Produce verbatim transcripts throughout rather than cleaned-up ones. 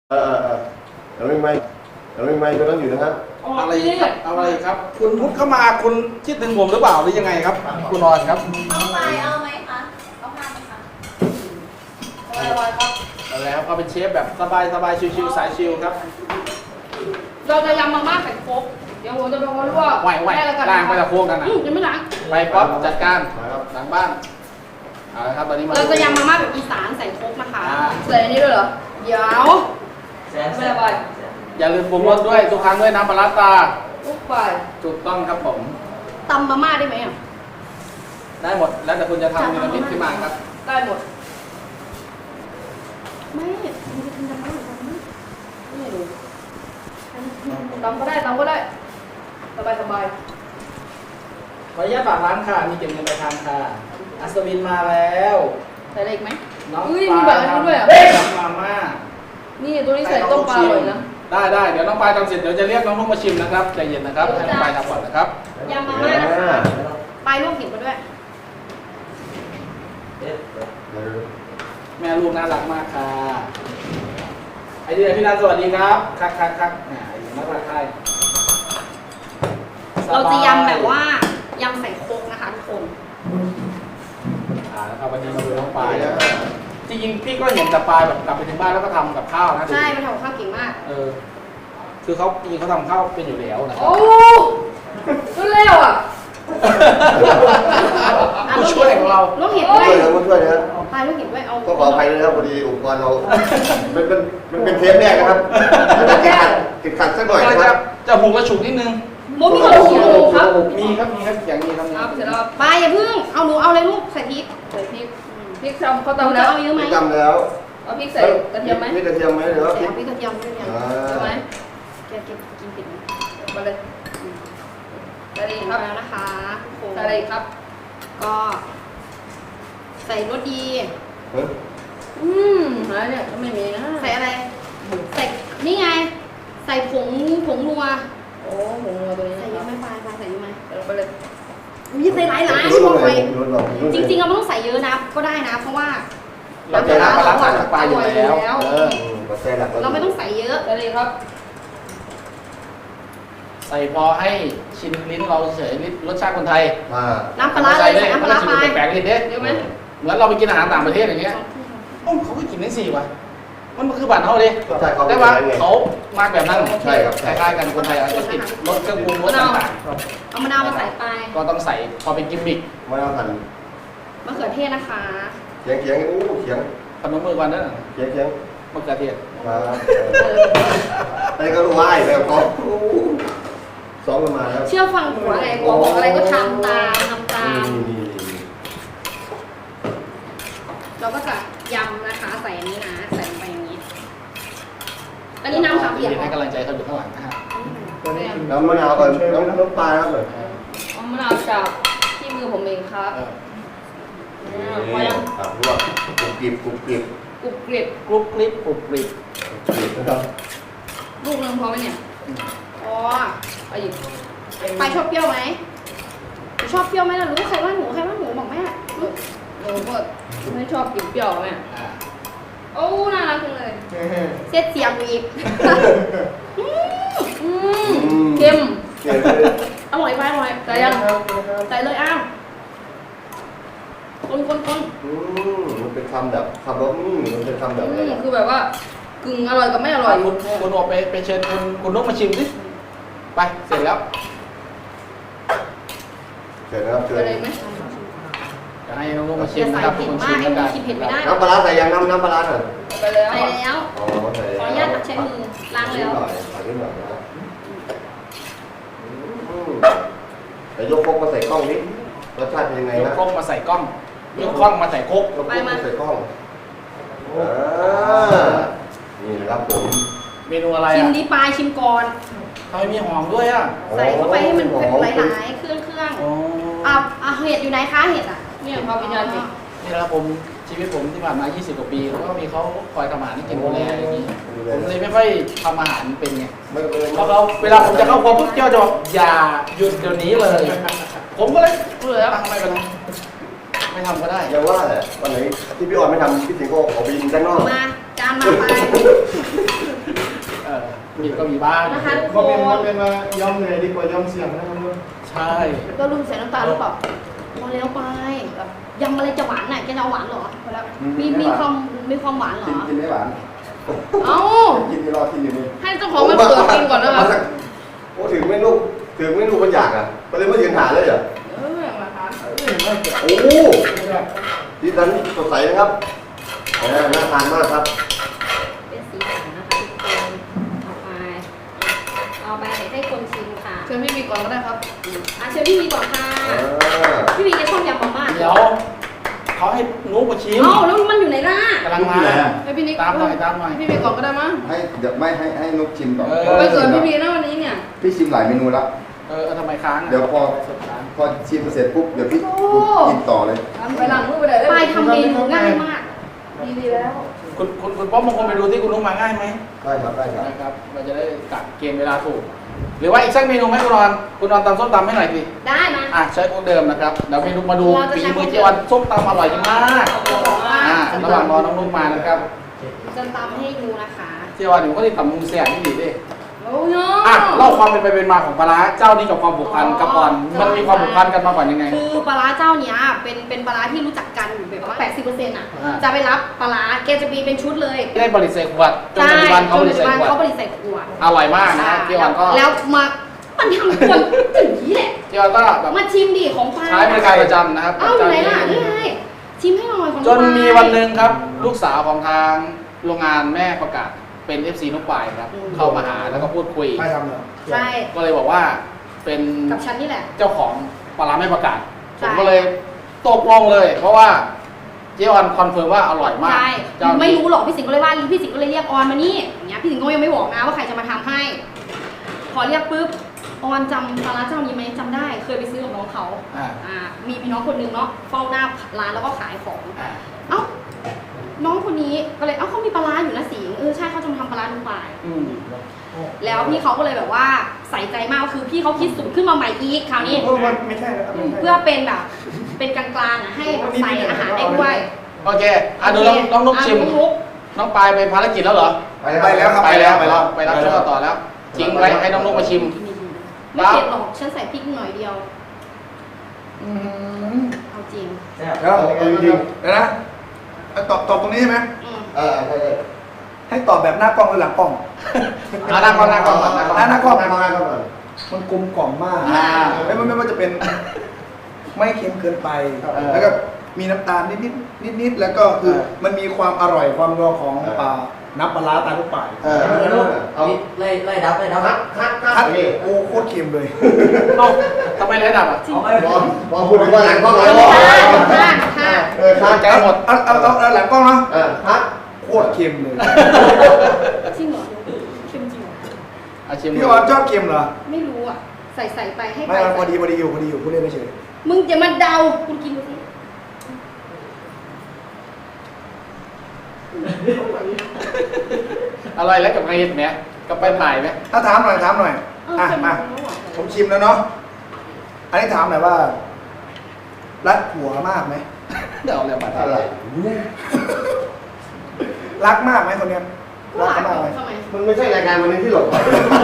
เออเออเราไม่ไม่เราไม่ไม่ก็ต้องอยู่นะครับอะไรครับอะไรครับ คุณพุทธเข้ามาคุณคิดถึงผมหรือเปล่าหรือยังไงครับ คุณนอนครับเอาไปเอาไหมคะเอาผ้าไหมคะอะไรครับอะไรครับก็เป็นเชฟแบบสบายสบายชิวๆสายชิวครับเราจะยำมาม่าไข่โคกเดี๋ยวผมจะบอกว่าลวกไหวไหวแม่แล้วกันล้างไปตะโค้งกันนะอืมยังไม่ล้างไปป๊อปจัดการหลังบ้านเอาละครับตอนนี้มาเราจะยำมาม่าแบบอีสานใส่โคกนะคะอ่าใส่อันนี้ด้วยเหรอเดี๋ยวไม่ได้ไปอย่าลืมปรุงรสด้วยทุกครั้งด้วยน้ำปลาร้าตาลูกไปถูกต้องครับผมตำมาม่าได้ไหมอ่ะได้หมดแล้วแต่คุณจะทำเมนูนี้ขึ้นมาครับได้หมดไม่มันจะทำยำมาม่าหรือตำมั้ยไม่รู้ตำก็ได้ตำก็ได้สบายสบายขออนุญาตฝากร้านค่ะมีเก็บเงินปลายทางค่ะอัศวินมาแล้วใส่อะไรอีกไหมน้องอุ้ยปมีลาแบบนี้ด้วยอ่ะทำมาม่านี่ตัวนี้ใส่ต้มปลาอร่อยนะได้ได้เดี๋ยวน้องปลายทำเสร็จเดี๋ยวจะเรียกน้องลูกมาชิมนะครับใจเย็นนะครับให้น้องปลายทำก่อนนะครับยำมาม่านะคะปลายลวกเห็ดมาด้วยแม่ลูกน่ารักมากค่ะไอเดียพี่นันสวัสดีครับคักคักคักแหมน่ารักใครเราจะยำแบบว่ายำใส่โคกนะคะทุกคนอ่าแล้วครับวันนี้มาดูน้องปลายจริงๆพี่ก็เห็นแต่ปลายแบบกลับไปถึงบ้านแล้วก็ทำกับข้าวนะใช่มันทำกับข้าวเก่งมากเออคือเขาจริงๆเขาทำข้าวเป็นอยู่แล้วนะครัโอ้บก็เร็วอ่ะผู้ช่วยของเราลูกเห็ดช่ด้ววย ยนะช่วยนะครับปลายลูกเห็ดด้วยเอาก็ขออภัยด้วยนะครับพอดีอุปกรณ์เรามันเป็นมันเป็นเทปแรกนะครับติดขัดติดขัดสักหน่อยก็นะคจะรับจะหุงกระฉุกนิดนึงโมมีกระดูกหมูครับมีครับมีครับอย่างนี้ครับครับเสร็จแล้วปลายอย่าพึ่งเอาหนูเอาเลยลูกใส่พริกใส่พริกพริกทำเขาหนูตำแล้วเอาเยอะไหมจำแล้วเอาพริกใส่กระเทียมไหมมีกระเทียมไหมหรือว่าใส่พริกเอาพริกกระเทียมด้วยเนี่ยอ่าใช่ไหมแกกินกินผิดไหมมาเลยใส่อะไรอีกครับแล้วนะคะใส่อะไรอีกครับ ก็ใส่รสดีเฮ้ยอืมอะไรเนี่ยก็ไม่มีนะใส่อะไร ใส่ นี่ไง ใส่ผง ผงนัว โอ้ผงนัวตัวนี้ ใส่เยอะไหมปลายปลายใส่เยอะไหมใส่ลงไปเลยอุ้ยใส่หลายหลายรู้บอกเลไปยรู้เลยจริงๆเราไม่ต้องใส่เยอะนะ ก็ได้นะ เพราะว่าเราจะน้ำปลาร้าใส่ปลาอยู่แล้วเออปัจจัยหลักเราไม่ต้องใส่เยอะเลยครับใส่พอให้ชินลิ้นเราเฉยลิ้นรสชาติคนไทยมาน้ำปลาร้าเลยใส่น้ำปลาร้าไปแปลกๆนิดเด้เยอะไหมเหมือนเราไปกินอาหารต่างประเทศอย่างเงี้ยโอ้เขาก็กินได้สี่ว่ะมันคือบัตรเขาดิรสชาติเขาเป็แต่นว่ายังไงเขามาแบบนั้นใช่ครับคล้ายๆกันคนไทยอาจจะติดรสเครื่องปรุงรสต่างเอามะนาวมาใส่ไปๆก็ต้องใส่พอเป็นกิมมิคมาแล้วหันมะเขือเทศนะคะเขียงเขียงอู้เขียงพนมมือกันเด้อเขียงเขียงมะเขือเทศมาไอ้ก็รู้ว่าไอ้แบบเขาซ้อมกันมาแล้วเชื่อฟังผัวไงผัวบอกอะไรก็ทำตามทำตาม เราก็จะยำนะคะ ใส่อันนี้นะ ใส่ลงไปอย่างนี้ อันนี้น้ำขาเปียกเหรให้อกำลังใจเขาอยู่ข้างหลังนะฮะน้ำมะนาวก่อนน้ำน้ำปลาครับเลยเอามะนาวจากที่มือผมเองครับเออพอยังครับลวกกรุบกริบกรุบกริบกรุบกริบกรุบกริบกรุบกริบกรุบกริบนะครับลูกนึงพอไหมเนี่ยอ๋อไปอีกไปชอบเปรี้ยวไหมชอบเปรี้ยวไหมล่ะรู้ใครว่าหนูใครว่าหนูบอกแม่หนูก็ไม่ชอบกินเปรี้ยวแม่อ่าโอ้น่ารักจังเลยเสียดเสียงอีกอืมเค็มเขียงเลยอร่อยไปอร่อยใส่ยังใส่เลยอ้าวคนคนคนอืมมันเป็นคำแบบคำว่าอืมมันเป็นคำแบบอะไรอืมคือแบบว่ากึ่งอร่อยกับไม่อร่อยคุณคุณออกไปไปเชิญคุณคุณนกมาชิมสิไปเสร็จแล้วเชิญนะครับเชิญอะไรไหมจะให้น้องนกมาชิมนะครับเป็นคนชิมไอ้แล้วมึกังนกินเผ็ดไม่ได้น้ำปลาร้าใส่ยังน้ำน้ำปลาร้าหน่อยไปแล้วใส่แล้วอ๋อใส่ขออนุญาตตักใช้มือล้างนิดแล้วหน่อยใส่นิดหน่อยนะอืมแต่ยกพกมาใส่กล้องนิดรสชาติเป็นยังไงยกนะกล้องมาใส่กล้องยกกล้องมาใส่โคกยกพกมาใส่กล้องอ่านี่นะครับผมเมนูอะไรชิมอ่ะดีปลายชิมก่อนทำไมมีหอมด้วยอ่ะใส่เข้าไปให้มันหลายๆเครื่องเครื่องอ๋ออ่ะอ่ะเห็ดอยู่ไหนคะเห็ดอ่ะเนี่ยพอวิญญาณเห็ดนี่นะครับผมชีวิตผมที่ผ่านมา ยี่สิบ กว่าปีแล้วก็มีเขาคอยทำอาหารให้กินดูแลอย่างนี้ผมเลยไม่ค่อยทำอาหารเป็นไงไม่เป็นไรเพราะเขาเวลาผมจะเข้าครัวปุ๊บเจ้าจะบอกอย่าหยุดเดี๋ยวนี้เลย ผมก็เลยเออแล้วทำไมกันไม่ทำก็ได้อย่าว่าแหละวันไหนที่พี่ออนไม่ทำพี่สิงห์ก็ขอไปยิงด้านนอกมาจานมาไปมีก็มีบ้างนะคะทุกคอมคเมนต์นคอมเมนต์ว่ายอมเหนื่อยดีกว่ายอมเสี่ยงนะครับใช่ก็รุมใส่น้ำตาลหรือเปล่าพอแล้วไปแบบยำอะไรจะหวานน่ะแกจะเอาหวานเหรอพอแล้วมีมีความมีความหวานเหรอกินกินไม่หวานเอ้ากินที่รอกินอยู่นี่ให้เจ้าของมาเปิดกินก่อนนะคะโอ้ถึงไม่ลูกถึงไม่ลูกมันอยากอ่ะก็เลยมายืนหาเลยเหรอเออมาคะโอ้ดีสันสดใสนะครับเออน่าทานมากครับเป็นสีสันนะคะทุกคนเอาไปเอาไปให้คนชิมค่ะเชิญพี่บีก่อนก็ได้ครับอ่ะเชิญพี่วีก่อนค่ะอ่าพี่วีแกชอบยำมาม่าเดี๋ยวเขาให้นุ๊กมาชิมเอ้าแล้วมันอยู่ไหนล่ะกำลังมาให้พี่นิกตามหน่อยตามหน่อยพี่บีก่อนก็ได้มั้งให้เดี๋ยวไม่ให้ให้นุกชิมก่อนเออไปเกิดพี่บีนะวันนี้เนี่ยพี่ชิมหลายเมนูแล้วเออทำไมค้างะเดี๋ยวพอสดค้างพอชิมเสร็จปุ๊บเดี๋ยวพี่กินต่อเลยไปหลังมือไปเลยปลายทำเมนูง่ายมากดีดีแล้วคุณคุณคุณป๊อปบางคนไปดูที่คุณนุ๊กมาง่ายไหมได้ครับได้ครับนะครับเราจะได้กัดเกณฑ์เวลาถูก หรือว่าอีกสักเมนูไหมคุณนอนคุณนอนตำส้มตำให้หน่อยสิได้มาอ่ะใช้พวกเดิมนะครับเดี๋ยวเมนูมาดูเราจะฝีใช้มือพวกเดิมเจ๊วันส้มตำอร่อยมากอ่าอ่าระหว่างรอน้องนุ๊กมานะครับจะตำให้ดูนะคะเจ๊วันอยู่ก็ที่ตำมุงแซ่บที่ดีดิโอ้ยอ่ะเล่าความเป็นไปเป็นมาของปลาร้าเจ้านี้กับความผูกพันกับก่อนมันมีความผูกพันกันมาก่อนยังไงคือปลาร้าเจ้าเนี้ยเป็นเป็นปลาร้าที่รู้จักกันอยู่แบบว่าแปดสิบเปอร์เซ็นต์อ่ะอ่าจะไปรับปลาร้าแกจะมีเป็นชุดเลยได้บริใส่ขวดจนปัจจุบันเขาบริใส่ขวดเขาบริใส่ขวดอร่อยมากนะฮะเจ๊วันก็แล้วมามันทำคนถึงนี้แหละเจ๊วันก็แบบมาชิมดิของปลาใช้บริการประจำนะครับเอ้าอยู่ไหนล่ะนี่ไงชิมให้หน่อยของจนมีวันหนึ่งครับ ลูกสาวของทางโรงงานแม่ประกาศเป็น เอฟ ซี นุ๊กปายครับเข้ามาหาแล้วก็พูดคุยไม่ทำเหรอใช่ก็เลยบอกว่าเป็นกับฉันนี่แหละเจ้าของปลาร้าแม่ประกาศผใช่มก็เลยตกลงเลย เพราะว่าเจ๊ออนคอนเฟิร์มว่าอร่อยมากใช่เจ้านี้ไม่รู้หรอกพี่สิงห์ก็เลยว่าพี่สิงห์ก็เลยเรียกออนมานี่อย่างเงี้ยพี่สิงห์ก็ยังไม่บอกนะว่าใครจะมาทำให้ พอเรียกปุ๊บออนจำปลาร้าเจ้านี้ไหมจำได้เคยไปซื้อกับน้องเขาอ่าอ่ามีพี่น้องคนนึงเนาะเฝ้าหน้าร้านแล้วก็ขายของอ่าเอ้าน้องคนนี้ก็เลยเอ้าเขามีปลาร้าอยู่นะสิงห์เออใช่เขาจะมาทำปลาร้าลูกปลายอืมแล้วพี่เขาก็เลยแบบว่าใส่ใจมากคือพี่เขาคิดสูตรขึ้นมาใหม่อีกคราวนี้เออมันไม่ใช่แล้วเพื่อเป็นแบบเป็นกลางๆอ่ะให้ใส่อาหารได้ด้วยโอเคอ่ะดูน้องน้องนุ๊กชิมอ่ะน้องนุ๊กน้องปายไปภารกิจแล้วเหรอไปแล้วครับไปแล้วไปแล้วไปรับช่วงต่อแล้วทิ้งไว้ให้น้องนุ๊กมาชิมไม่เผ็ดหรอกฉันใส่พริกหน่อยเดียวอืมเอาจริงแล้วจริงๆเดี๋ยวนะตอบตอบตรงนี้ใช่ไหมอืมเออใช่ใช่ให้ตอบแบบหน้ากล้องหรือหลังกล้องเอาหน้ากล้องหน้ากล้องก่อนหน้ากล้องหน้ากล้องหน้ากล้องหน้ากล้องก่อนมันกลมกล่อมมากอ่าแล้วมันไม่ว่าจะเป็น ไม่เค็มเกินไปเออแล้วก็มีน้ำตาลนิดนิดนิดนิดๆแล้วก็คือเออมันมีความอร่อยความนัวของปลาน้ำปลาร้าตาลูกป่ายเออเอาไล่ไล่ดับไล่ดับคัดคัดคัคัดดนี่โอ้โคตรเค็มเลยเอ้าทำไมระดับอ่ะเอาไม่บอลบอลพูดถึงว่าหลังกล้องเลยค่ะค่ะค่ะเออคัดแกหมดเอาเอาเอาเอาหลังกล้องเนาะเออคัดโคตรเค็มเลยจริงเหรอเค็มจริงเหรออาชิมพี่ออนชอบเค็มเหรอไม่รู้อ่ะใส่ใส่ไปให้ไปไม่พอดีพอดีอยู่พอดีอยู่พูดเล่นไม่เฉยมึงอย่ามาเดาคุณกินดูสิอะไรแล้วกับไงเห็ดไหมกับไปถ่ายไหมถ้าถามหน่อยถามหน่อยเอออ่ะเค็มมาแล้วอ่ะผมชิมแล้วเนาะอันนี้ถามหน่อยว่า รักผัวมากไหมเดี๋ยวเอาเรื่องมาอะไรรักมากไหมคนเนี้ยก็รักหลายเขามากไหมทำไมมันไม่ใช่รายการวันนี้ที่หลบไป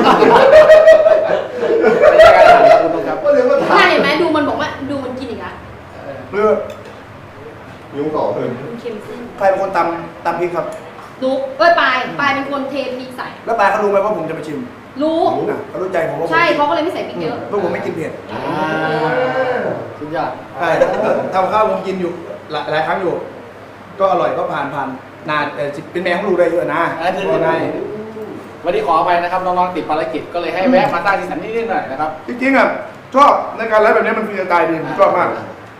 ไม่ใช่การถามครับคุณผู้ชมครับก็เลยมาถามน่าเห็นไหมดูมันบอกว่าดูมันกินอีกแล้วหรือยุงต่อเลยมันเค็มซิ่งใครเป็นคนตำตำพริกครับนุ๊กเอ้ยปลายปลายเป็นคนเทพริกใส่แล้วปลายเขารู้ไหมว่าผมจะไปชิมรู้นะเขารู้ใจผมว่าผมใช่เขาก็เลยไม่ใส่พริกเยอะเพราะผมไม่กินเผ็ดอ่าสุดยอดใช่ทำข้าวผมกินอยู่หลายหลายครั้งอยู่ ก็อร่อยก็ผ่านผ่านนานแต่เป็นแมวเขารู้ได้เยอะนะอ่าจริงๆก็ได้วันนี้ขออภัยนะครับน้องๆติดภารกิจก็เลยให้แวะมาสร้างสีสันนิดๆหน่อยนะครับจริงๆอ่ะชอบในการไลฟ์แบบนี้มันฟรีสไตล์ดีผมชอบมาก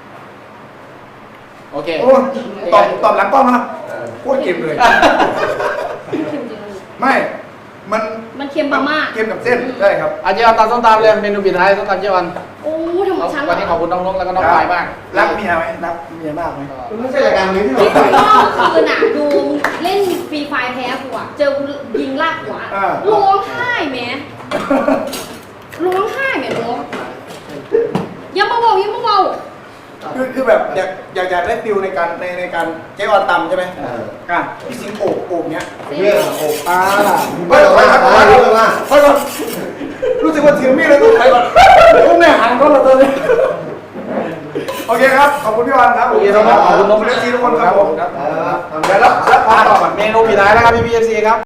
โอเคโอ้ตอบตอบหลังกล้องนะโคตรเค็มเลยเค็มจริงไม่ มันมันเค็มมากเค็มกับเส้นใช่ครับอาเจียวันตามส้มตำเลยเมนูปิดท้ายส้มตำเจียวันๆโอ้ทำไมฉันวันนี้ขอบคุณน้องนุ๊กแล้วก็น้องปายมากรักเมียไหมรักเมียมากไหมมันไม่ใช่รายการวันนี้ที่หลพี่บไปคุณพ่อคืนอ่ะดูเล่นฟรีไฟแพ้กูอ่ะเจอกูยิงลากหัวร้องไห้แหมร้องไห้แหมน้องอย่ามาเบาอย่ามาเบาคือคือแบบอยากอยากอยากได้ฟิลในการในในการเจ๊ออนตำใช่ไหมเอออ่ะพี่สิงโอบโอบเนี้ยเรื่องโอ้อ่าไม่หรอกว่าไม่หรอกว่าไปก่อนรู้สึกว่าถือมีดเลยต้องไปก่อนต้องแน่ห่างก็เราตอนนี้โอเคครับขอบคุณพี่ออนครับโอเคครับขอบคุณน้องเอฟซีทุกคนครับผมเออทำแล้ได้วแล้วแล้วพาต่อก่อนเมนูปิดท้ายนะครับพี่พีเอฟซีครับ